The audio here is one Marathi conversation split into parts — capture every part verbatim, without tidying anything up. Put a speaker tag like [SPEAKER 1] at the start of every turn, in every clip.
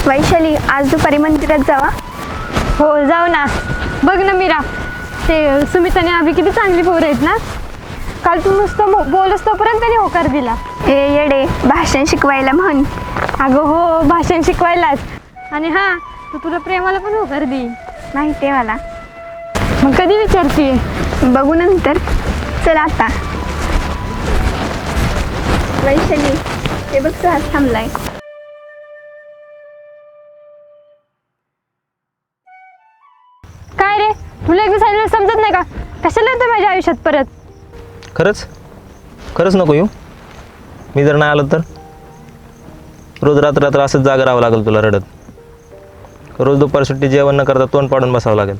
[SPEAKER 1] वैशाली, आज दुपारी मंदिरात जावा.
[SPEAKER 2] हो जाऊ ना. बघ ना मीरा, ते सुमित आणि अभि किती चांगली पोरं आहेत ना. काल तू नुसतं मो- बोलस तोपर्यंत त्यांनी होकार दिला.
[SPEAKER 1] ए येडे, भाषण शिकवायला म्हण.
[SPEAKER 2] अगं हो, भाषण शिकवायलाच. आणि हां, तू तुला प्रेमाला पण होकार दे.
[SPEAKER 1] माहिती आहे मला.
[SPEAKER 2] मग कधी विचारते?
[SPEAKER 1] बघू नंतर. चल आता. वैशाली, ते बघ सुहास थांबलाय.
[SPEAKER 2] काय रे, तुला एकदा सांगितलं समजत नाही का? कशाला येतं माझ्या आयुष्यात परत?
[SPEAKER 3] खरंच खरंच नको येऊ. मी जर नाही आलो तर रोज रात्र रात्र असंच जागा राहावं लागेल तुला रडत. रोज दुपार सुट्टी जेवण न करता तोंड पाडून बसावं लागेल.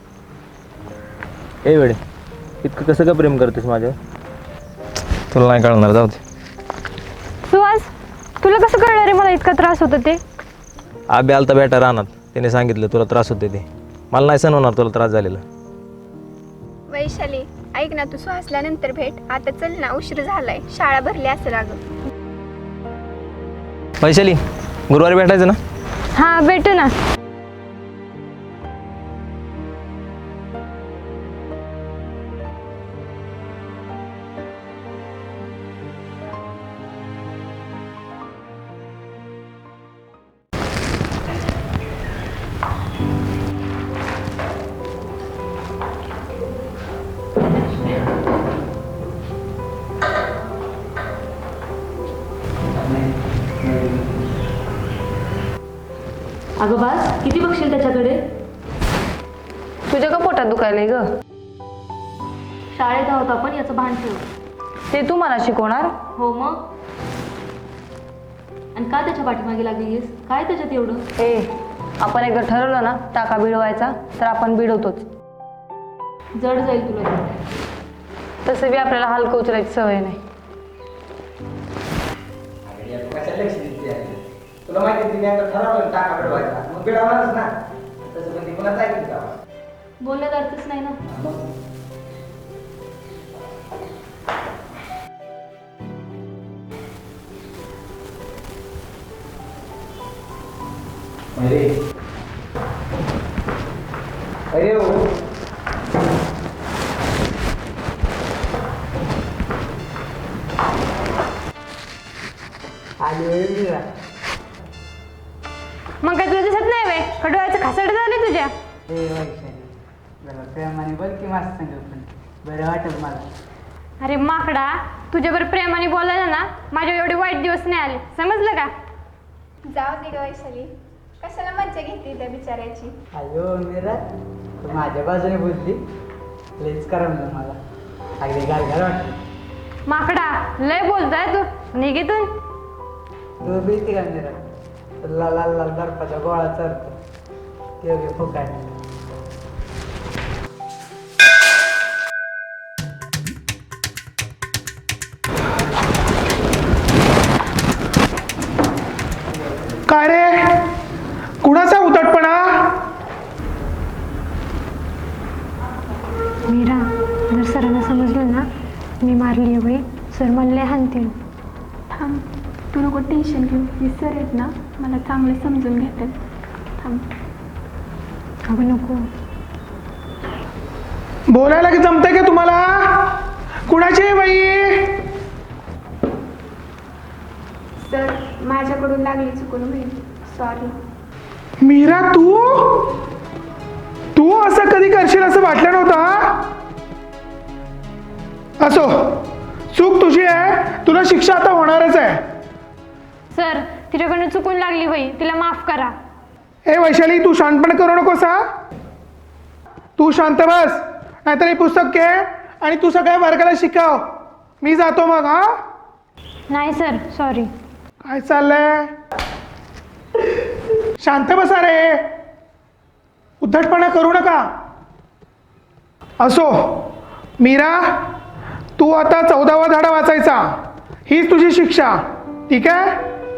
[SPEAKER 3] ए वेळे, इतकं कसं का प्रेम करतेस माझ्यावर? तुला नाही कळणार, जाऊ दे.
[SPEAKER 2] सुहास, तुला कसं कळणार रे मला इतका त्रास होतो ते?
[SPEAKER 3] आबे आलता बेटा रानात, त्याने सांगितलं तुला त्रास होते ते. मला नाही सहन होणार तुला त्रास झालेला.
[SPEAKER 1] वैशाली, ऐक ना, तू सुहासला नंतर भेट. आता चल ना, उशीर झालाय. शाळा भरली असेल अगं.
[SPEAKER 3] वैशाली, गुरुवारी भेटायचं ना?
[SPEAKER 2] हां भेटू ना.
[SPEAKER 4] अगं बास, किती बघशील त्याच्याकडे?
[SPEAKER 2] तुझ्या का पोटात दुखायलंय ग?
[SPEAKER 4] शाळेत आहोत आपण, याचं भान ठेव.
[SPEAKER 2] ते तू मला शिकवणार?
[SPEAKER 4] हो मग. आणि का त्याच्या पाठीमागे लागलीस? काय त्याच्यात एवढं?
[SPEAKER 2] ए, आपण एकदा ठरवलं ना टाका भिडवायचा, तर आपण भिडवतोच.
[SPEAKER 4] जड जाईल तुला ते.
[SPEAKER 2] तसं बी आपल्याला हलकं उचलायची सवय नाही.
[SPEAKER 5] तुला माहिती तिने आता ठरवलं टाका भिडवायचा, मग भिडवणारच ना. तसं पण ती कुणाच ऐकली का?
[SPEAKER 4] बोलण्यात अर्थच नाही ना.
[SPEAKER 5] अरे अरे हो, आली वेळ मिळाला.
[SPEAKER 2] मग काय तुला दिसत नाही वे? खडवायचं खासड झाले तुझ्या.
[SPEAKER 6] हे वैशाली, जरा प्रेमाने बोल की माझं संग पण बरं वाटत मला.
[SPEAKER 2] अरे माकडा, तुझ्यावर प्रेमाने बोलायला ना माझ्या एवढे वाईट दिवस नाही आले, समजलं का?
[SPEAKER 1] जाऊ दे ग वैशाली, कशाला मज्जा घेते त्या बिचाऱ्याची.
[SPEAKER 6] अयो मीरा, तू माझ्या बाजूने बोलली. लईच करमलं मला. अगदी गाल गाल वाटलं.
[SPEAKER 2] माकडा, लय बोलताय तू, निघितून.
[SPEAKER 6] तू भीती का मीरा? लाल लाल लाल बर्फाचा गोळा चढतो योग्य फुकाय.
[SPEAKER 7] काय रे, कुणाचा उद्धटपणा?
[SPEAKER 2] मीरा, जर सरांना समजलं ना मी मारली बाई, सर मला लय हाणतील.
[SPEAKER 1] थांब, तू नको टेन्शन घेऊ. हे सर आहेत ना, मला चांगले समजून घेतात. थांब.
[SPEAKER 2] अगं नको.
[SPEAKER 7] बोलायला की जमतंय का तुम्हाला? कुणाची आहे बाई?
[SPEAKER 1] सर, माझ्याकडून लागली चुकून होईल. सॉरी.
[SPEAKER 7] मीरा, तू तू असं कधी करशील असं वाटलं नव्हतं. असो, चूक तुझी आहे, तुला शिक्षा आता होणारच आहे.
[SPEAKER 2] सर, तिच्याकडनं चुकून लागली बाई, तिला माफ करा.
[SPEAKER 7] ए वैशाली, तू शांतपणे करू नकोस हा. तू शांत बस, नाहीतर हे पुस्तक घे आणि तू सगळ्या वर्गाला शिकव. मी जातो मग. हा,
[SPEAKER 2] नाही सर, सॉरी.
[SPEAKER 7] काय चाललंय? शांत बसा रे, उद्धटपणा करू नका. असो मीरा, तू आता चौदावा धडा वाचायचा. हीच तुझी शिक्षा, ठीक आहे?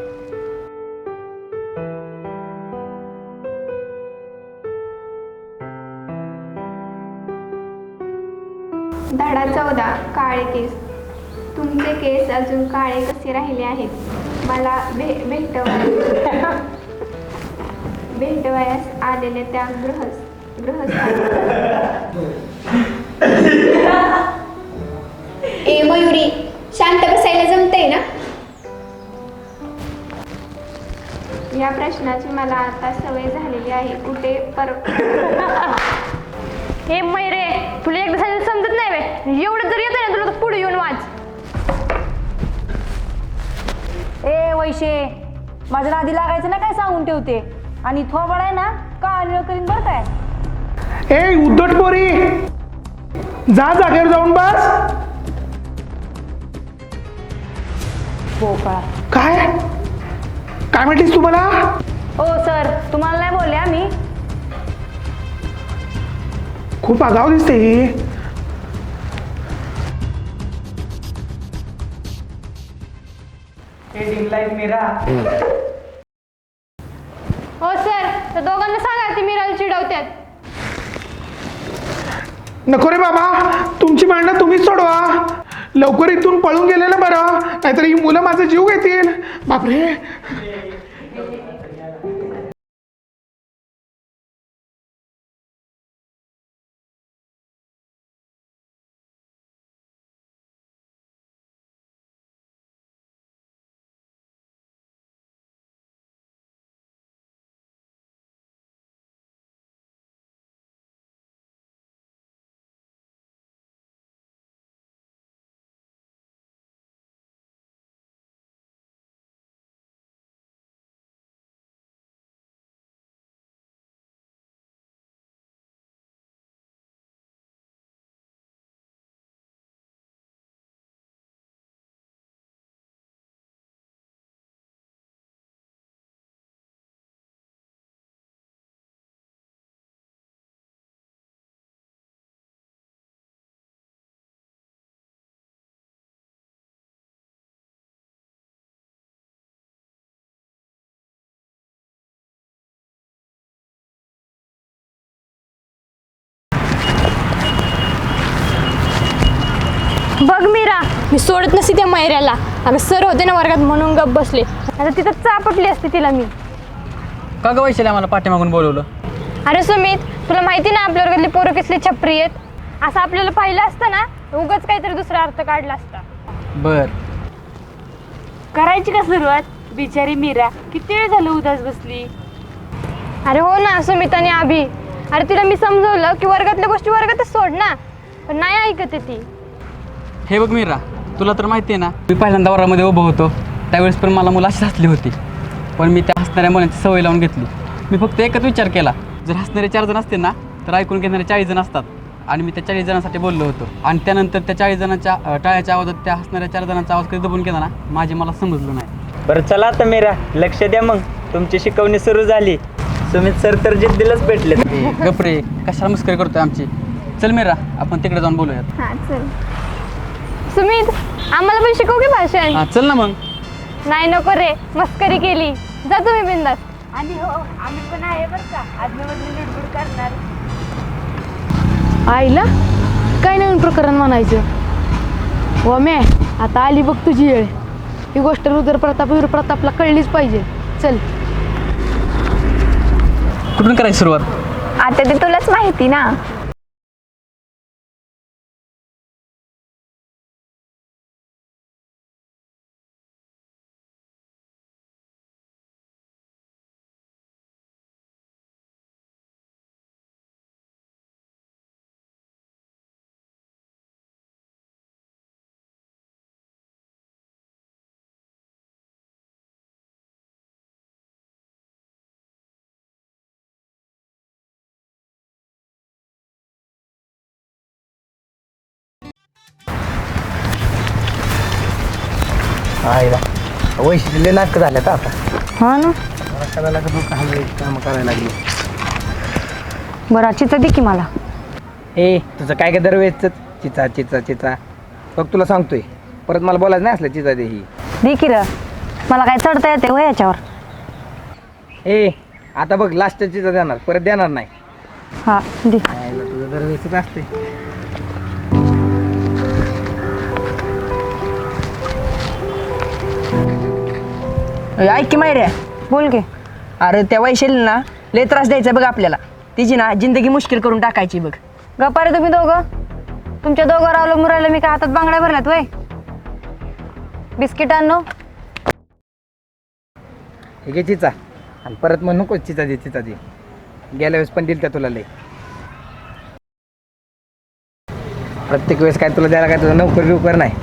[SPEAKER 1] धडा चौदा, काळे केस. तुमचे केस अजून काळे कसे राहिले आहेत मला भे भेटवा. भेटवयास आलेल्या त्या गृहस गृहस्थ
[SPEAKER 8] ए मयुरी, शांत बसायला जमतंय ना?
[SPEAKER 1] या प्रश्नाची मला आता सवय झालेली आहे. कुठे पर
[SPEAKER 2] हे मैरे, तुला एकदा सांगितलं समजत नाही बे. एवढं जर येतं ना तुला तर पुढे येऊन वाच.
[SPEAKER 4] ए वैशे, माझ्या नादी लागायचं ना काय सांगून ठेवते. आणि थोबड आहे ना का निळ करीन बरं काय.
[SPEAKER 7] ए उद्धट पोरी, जा जागेवर जाऊन बस.
[SPEAKER 4] पोकळा.
[SPEAKER 7] काय काय म्हटलीस तुम्हाला?
[SPEAKER 4] हो सर, तुम्हाला नाही बोलले आम्ही.
[SPEAKER 7] खूप आगाऊ दिसते ही.
[SPEAKER 6] Dim light Mira.
[SPEAKER 2] हो सर, तर दोघांना सांगा ती मीराला चिडवतात.
[SPEAKER 7] नको रे बाबा, तुमची भांडणं तुम्हीच सोडवा. लवकर इथून पळून गेलेलं बरं, नाहीतर ही मुलं माझा जीव घेतील. बापरे.
[SPEAKER 2] बघ मीरा, मी सोडत नसते त्या मैऱ्याला. आम्ही सर होते ना वर्गात म्हणून गप बसले. आता तिथं चापटली असते तिला मी.
[SPEAKER 6] का ग वैशाली आम्हाला पाठीमागून बोलवलं?
[SPEAKER 2] अरे सुमित, तुला माहिती ना आपल्या वर्गातली पोरं कसली छपरी आहेत. असं आपल्याला पाहिलं असतं ना, उगाच काहीतरी दुसरा अर्थ काढला असता.
[SPEAKER 6] बर.
[SPEAKER 4] करायची का सुरुवात? बिचारी मीरा किती वेळ झालं उदास बसली.
[SPEAKER 2] अरे हो ना सुमित आणि अभि. अरे तिला मी समजवलं की वर्गातल्या गोष्टी वर्गातच सोड ना, पण नाही ऐकते ती.
[SPEAKER 9] हे बघ मीरा, तुला तर माहिती आहे ना, मी पहिल्यांदा वरामध्ये उभं होतो त्यावेळेस पण मला मुलं अशी हसली होती. पण मी त्या हसणाऱ्या मुलांची सवय लावून घेतली. मी फक्त एकच विचार केला, जर हसणारे चार जण असतील ना तर ऐकून घेणारे चाळीस जण असतात. आणि मी त्या चाळीस जणांसाठी बोललो होतो. आणि त्यानंतर त्या चाळीस जणांच्या टाळ्याच्या आवाजात त्या हसणाऱ्या चार जणांचा आवाज कधी दबून केला ना, माझे मला समजलं नाही.
[SPEAKER 6] बरं चला आता मीरा, लक्ष द्या. मग तुमची शिकवणी सुरू झाली. सुमित सर तर जिद्दीलाच भेटले.
[SPEAKER 9] गपरे, कशाला मस्करी करतोय आमची. चल मीरा, आपण तिकडे जाऊन बोलूयात.
[SPEAKER 1] हां चल.
[SPEAKER 2] सुमित, आम्हाला पण शिकव की भाषण.
[SPEAKER 9] हां चल ना मग.
[SPEAKER 2] नाही नको रे, मस्करी केली. जा तुम्ही बिंदास.
[SPEAKER 4] आणि हो, आम्ही पण आहे बरं का, आदमेमधली लुडबुड करणार.
[SPEAKER 10] आईला काय नवीन प्रकरण म्हणायचं. व मे आता आली बघ तुझी वेळ. ही गोष्ट रुद्र प्रताप वीर प्रतापला कळलीच पाहिजे. चल.
[SPEAKER 9] कुठून करायची सुरुवात?
[SPEAKER 1] आता ते तुलाच माहिती ना.
[SPEAKER 5] आईला वैशिष्ट्य नाटकं झाल्यात आता.
[SPEAKER 10] हा ना.
[SPEAKER 5] करायला काम करायला लागली.
[SPEAKER 10] बरं चिता दे की मला.
[SPEAKER 5] ए तुझं काय काय दरवेळेच चिचा चिचा चिचा. बघ तुला सांगतोय, परत मला बोलायचं नाही असलं चिचा दे ही.
[SPEAKER 10] दे की र, मला काय चढता येते हो याच्यावर.
[SPEAKER 5] ए आता बघ लास्ट चिचा देणार, परत देणार नाही.
[SPEAKER 10] हा दे.
[SPEAKER 5] आईला तुझं दरवेळेच असते.
[SPEAKER 6] ऐक की मायऱ्या,
[SPEAKER 10] बोल की.
[SPEAKER 6] अरे त्या वैशाली ना
[SPEAKER 4] लय त्रास द्यायचा बघ आपल्याला. तिची ना जिंदगी मुश्किल करून टाकायची बघ. गप्पा रे तुम्ही दोघं. तुमच्या दोघं रावलं मुरायला मी काय हातात बांगड्या भरल्यात वय. बिस्किट आणू.
[SPEAKER 5] हे घे चिचा आणि परत मग नको चिचा दे चिचा दे. गेल्या वेळेस पण दिल त्या तुला लय. प्रत्येक वेळेस काय तुला द्यायला काय तुझा नोकर बिवकर नाही.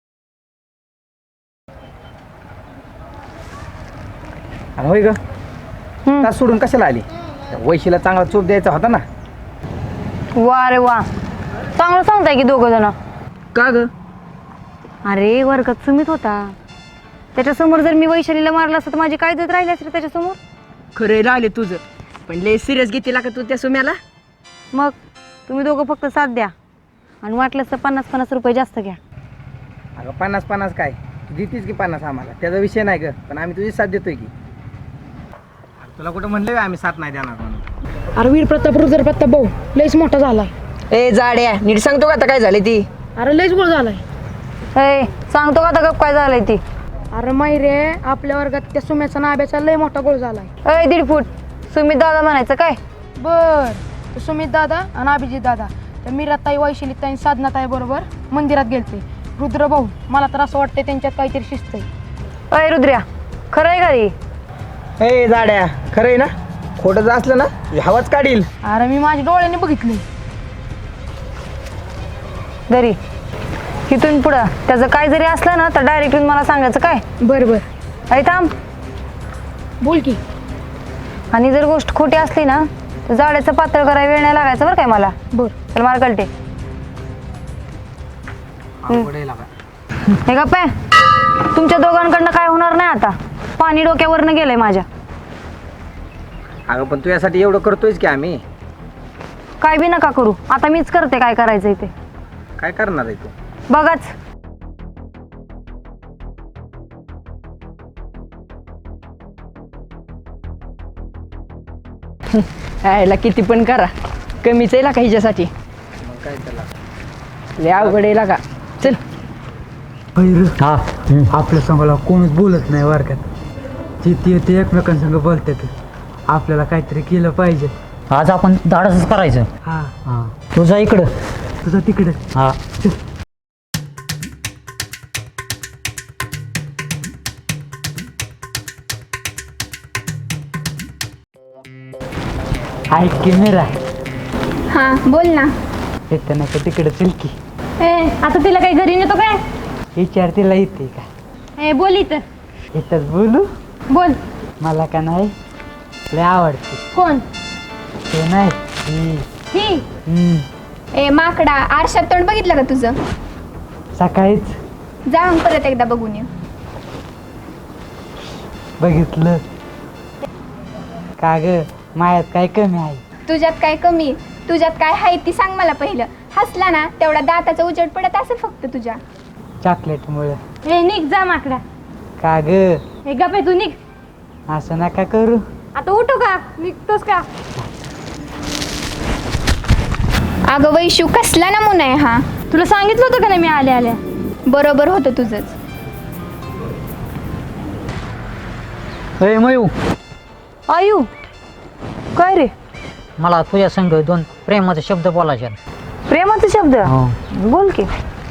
[SPEAKER 5] आणि होय ग तास सोडून कशाला आली? त्या वैशीला चांगला चोप द्यायचा होता ना.
[SPEAKER 4] वा रे वा, चांगलं सांगताय की दोघं जण.
[SPEAKER 5] का ग?
[SPEAKER 4] अरे वर्गात सुमित होता, त्याच्यासमोर जर मी वैशालीला मारलं असतं तर माझी काय देत राहिली असते त्याच्यासमोर.
[SPEAKER 10] खरं राहिले तुझं, पण लय सिरियस घेते का तू त्या सुम्याला?
[SPEAKER 4] मग तुम्ही दोघं फक्त साथ द्या आणि वाटलंच तर पन्नास पन्नास रुपये जास्त घ्या.
[SPEAKER 5] अगं पन्नास पन्नास काय तू देतीस की पन्नास आम्हाला, त्याचा विषय नाही ग. पण आम्ही तुझी साथ देतोय की. तुला कुठं म्हणलं आम्ही साथ नाही देणार म्हणून.
[SPEAKER 10] अरे वीर प्रताप रुद्र प्रताप भाऊ लयच मोठा झालाय.
[SPEAKER 4] ए जाड्या, नीट सांगतो का आता काय झाले ती?
[SPEAKER 10] अरे लयच बोल झालाय.
[SPEAKER 4] ए सांगतो का आता गप काय झालंय ती?
[SPEAKER 10] अरे माहिरे आपल्या वर्गात त्या सुम्याचा नाब्याचा लय मोठा गोळ झालाय.
[SPEAKER 4] अय दीड फूट सुमित दादा म्हणायचं काय?
[SPEAKER 10] बर, तो सुमित दादा आणि अभिजित दादा त्या मीराताई वैशिली ताई साधनाताई बरोबर मंदिरात गेलते. रुद्र भाऊ मला तर असं वाटतंय त्यांच्यात काहीतरी शिस्त आहे.
[SPEAKER 4] अय रुद्र्या, खरं आहे का रे?
[SPEAKER 5] ए जाड्या, खरं आहे ना? खोटं जर असलं ना हवाच काढील.
[SPEAKER 10] अरे मी माझ्या डोळ्याने बघितले.
[SPEAKER 4] घरी इथून पुढं त्याचं काय जरी असलं ना तर डायरेक्ट मला सांगायचं काय?
[SPEAKER 10] बर बर,
[SPEAKER 4] अरे थांब.
[SPEAKER 10] बोल की.
[SPEAKER 4] आणि जर गोष्ट खोटी असली ना तर जाड्याचं पातळ करायला वेळ नाही लागायचं बरं काय मला.
[SPEAKER 10] बर
[SPEAKER 4] चल मार कळते. हे गप्पा, तुमच्या दोघांकडनं काय होणार नाही आता. पाणी डोक्यावरनं गेलंय माझ्या.
[SPEAKER 5] अगं पण तू यासाठी एवढं करतोयच की आम्ही.
[SPEAKER 4] काय बी नका करू, आता मीच करते काय करायचंय ते.
[SPEAKER 5] काय करणार आहे तू?
[SPEAKER 4] बघाच.
[SPEAKER 10] यायला किती पण करा कमीच आहे का हिच्यासाठी.
[SPEAKER 5] मग काय त्याला
[SPEAKER 10] लय अवघड आहे का. चल.
[SPEAKER 6] हा आपल्या संघाला कोणच बोलत नाही वर्गात. जिथे ते एकमेकांसंग बोलतात. आपल्याला काहीतरी केलं पाहिजे.
[SPEAKER 11] आज आपण धाडसच करायचं.
[SPEAKER 6] हा
[SPEAKER 11] हां तुझा इकडं
[SPEAKER 6] तुझं तिकडे.
[SPEAKER 11] हां
[SPEAKER 6] ऐक की मेरा,
[SPEAKER 1] हां बोल ना.
[SPEAKER 6] येतं नाही का तिकडे चल की.
[SPEAKER 2] ए आता तिला काही घरी नेतो काय?
[SPEAKER 6] विचार तिला येते का?
[SPEAKER 2] ए बोल इथं.
[SPEAKER 6] येतच बोलू.
[SPEAKER 2] बोल.
[SPEAKER 6] मला का नाही लय आवडते.
[SPEAKER 2] कोण?
[SPEAKER 6] ते नाही ही.
[SPEAKER 2] ही
[SPEAKER 6] हम्म.
[SPEAKER 8] ए माकडा, आरशात तोंड बघितलं का तुझं?
[SPEAKER 6] सकाळीच
[SPEAKER 8] जाऊन परत एकदा बघून ये.
[SPEAKER 6] बघितलं का ग? मायात काय कमी आहे?
[SPEAKER 8] तुझ्यात काय कमी, तुझ्यात काय आहे ती सांग मला पहिलं. हसला ना तेवढा दाताचा उजेड पडत असेल फक्त तुझ्या.
[SPEAKER 6] चॉकलेटमुळे.
[SPEAKER 2] ए निघ जा माकडा.
[SPEAKER 6] का ग?
[SPEAKER 2] ए गप तू निघ.
[SPEAKER 6] असं नका करू.
[SPEAKER 2] आता उठू का? निघतोस का?
[SPEAKER 8] अगं वैशू, कसला नमुना आहे हा?
[SPEAKER 2] तुला सांगितलं होतं का नाही मी आल्या आल्या?
[SPEAKER 8] बरोबर होतं तुझंच.
[SPEAKER 11] ए मयू,
[SPEAKER 4] आयु काय रे?
[SPEAKER 11] मला तुझ्या संग दोन प्रेमाचे शब्द बोलायचे आहेत.
[SPEAKER 4] प्रेमाचे शब्द?
[SPEAKER 11] हो.
[SPEAKER 4] बोल की.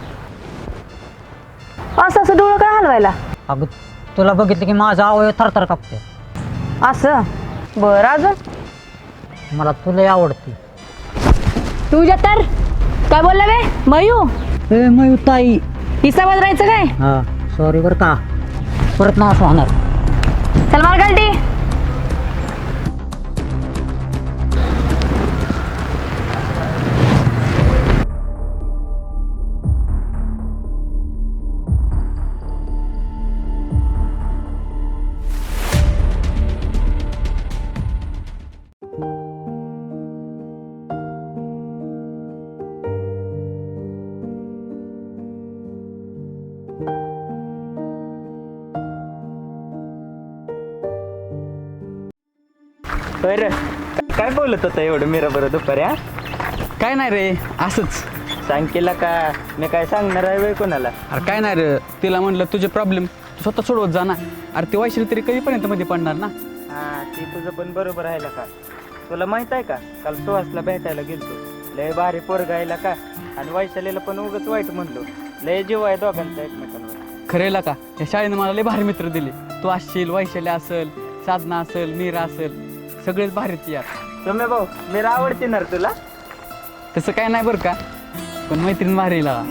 [SPEAKER 4] असं असं डोळं काय हलवायला?
[SPEAKER 11] अगं तुला बघितलं की माझा अवयव थरथर कापते.
[SPEAKER 4] असं बरं, अजून?
[SPEAKER 11] मला तुला आवडते.
[SPEAKER 2] तुझ्या तर काय बोलला बे मयू?
[SPEAKER 11] ए मयू ताई.
[SPEAKER 2] हिस्सा बदलायचं काय?
[SPEAKER 11] हां सॉरी बरं का, परत ना असं होणार.
[SPEAKER 4] चल मार गलटी.
[SPEAKER 6] बरं काय बोलत होता एवढं मीरा बरं दुपारी? हा
[SPEAKER 9] काय नाही रे, असंच.
[SPEAKER 6] सांग केला का? मी काय सांगणार आहे वय कोणाला?
[SPEAKER 9] अरे काय नाही रे, तिला म्हणलं तुझे प्रॉब्लेम तू स्वतः सोडवत जा ना. अरे ती वैशाली तरी कधीपर्यंत मध्ये पडणार ना.
[SPEAKER 5] हा ते तुझं पण बरोबर आहे का. तुला माहित आहे का काल सुहासला भेटायला गेलतो. लय भारी पोरगा आहे का. आणि वैशालीला पण उगाच वाईट म्हणलो. लय जीव आहे दोघांचा एकमेकांवर.
[SPEAKER 9] खरेला का या शाळेनं मला लय भारी मित्र दिले. तू असशील, वैशाली असेल, साधना असेल, मीरा असेल, सगळेच भारीच यार.
[SPEAKER 5] तुम्ही भाऊ मीरा आवडते ना रे तुला.
[SPEAKER 9] तसं काय नाही बरं का, पण मैत्रीण भारी लागा.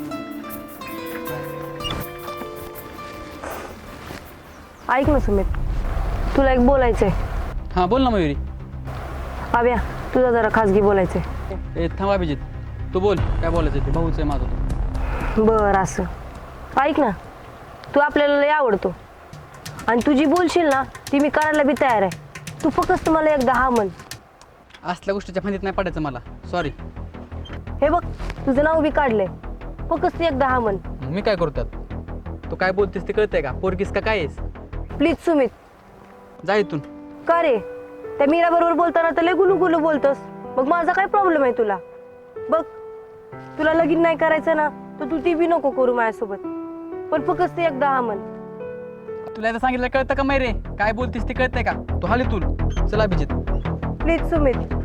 [SPEAKER 4] ऐक ना सुमित, तुला एक बोलायचंय.
[SPEAKER 9] हां बोल ना मयुरी.
[SPEAKER 4] आव्या तुझा जरा खाजगी बोलायचंय.
[SPEAKER 9] ए थांब अभिजित, तू बोल काय बोलायचं ते, भाऊच आहे माझं तो.
[SPEAKER 4] बरं असं ऐक ना, तू आपल्याला लय आवडतो आणि तू जी बोलशील ना ती मी करायला बी तयार आहे. तू फक्त मला एकदा हा म्हण.
[SPEAKER 9] असल्या गोष्टीच्या फांदीत नाही पडायचं मला, सॉरी.
[SPEAKER 4] हे बघ तुझं नाव बी काढलंय, फक्त एकदा हा म्हण.
[SPEAKER 9] मी काय करतात, तू काय बोलतेस ते कळतंय का, पोरगीस का काय आहेस?
[SPEAKER 4] प्लीज सुमित.
[SPEAKER 9] जा इथून.
[SPEAKER 4] का रे, त्या मीरा बरोबर बोलताना तर लय गुलू गुलू बोलतोस. मग माझा काय प्रॉब्लेम आहे तुला? बघ तुला लगीन नाही करायचं ना तर तू ती बी नको करू माझ्यासोबत, पण फक्त एकदा हा म्हण.
[SPEAKER 9] तुला आता सांगितलं कळतं का रे, काय बोलतेस ते कळतंय का? तू हाल इथून. चला अभिजित.
[SPEAKER 4] प्लीज सुमित.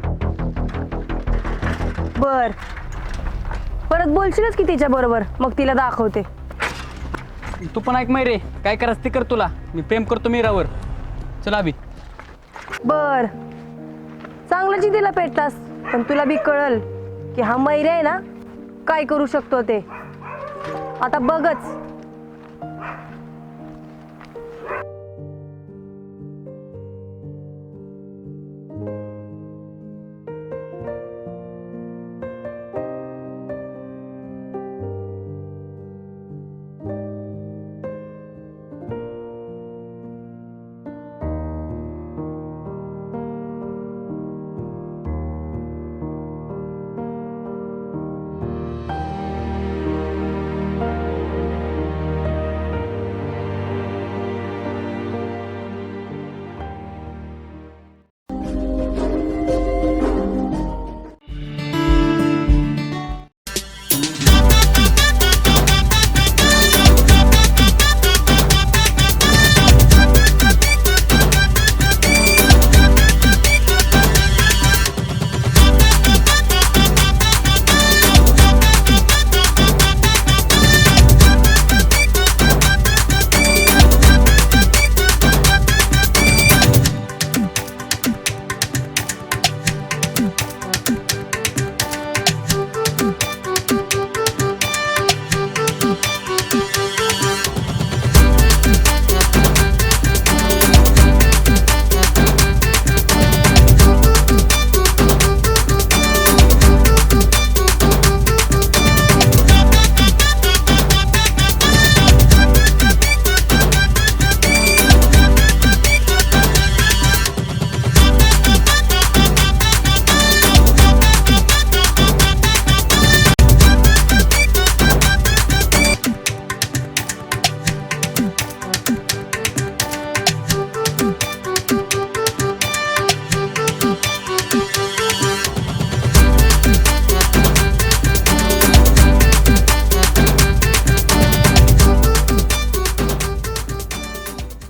[SPEAKER 4] बर परत बोलशीलच की तिच्या बरोबर, मग तिला दाखवते.
[SPEAKER 9] तू पण ऐक रे, काय करायचं ते कर. तुला मी प्रेम करतो मीरावर. चला अभि.
[SPEAKER 4] बर चांगलं जी तिला पेटलास, पण तुला बी कळल की हा मैरे आहे ना काय करू शकतो ते. आता बघच.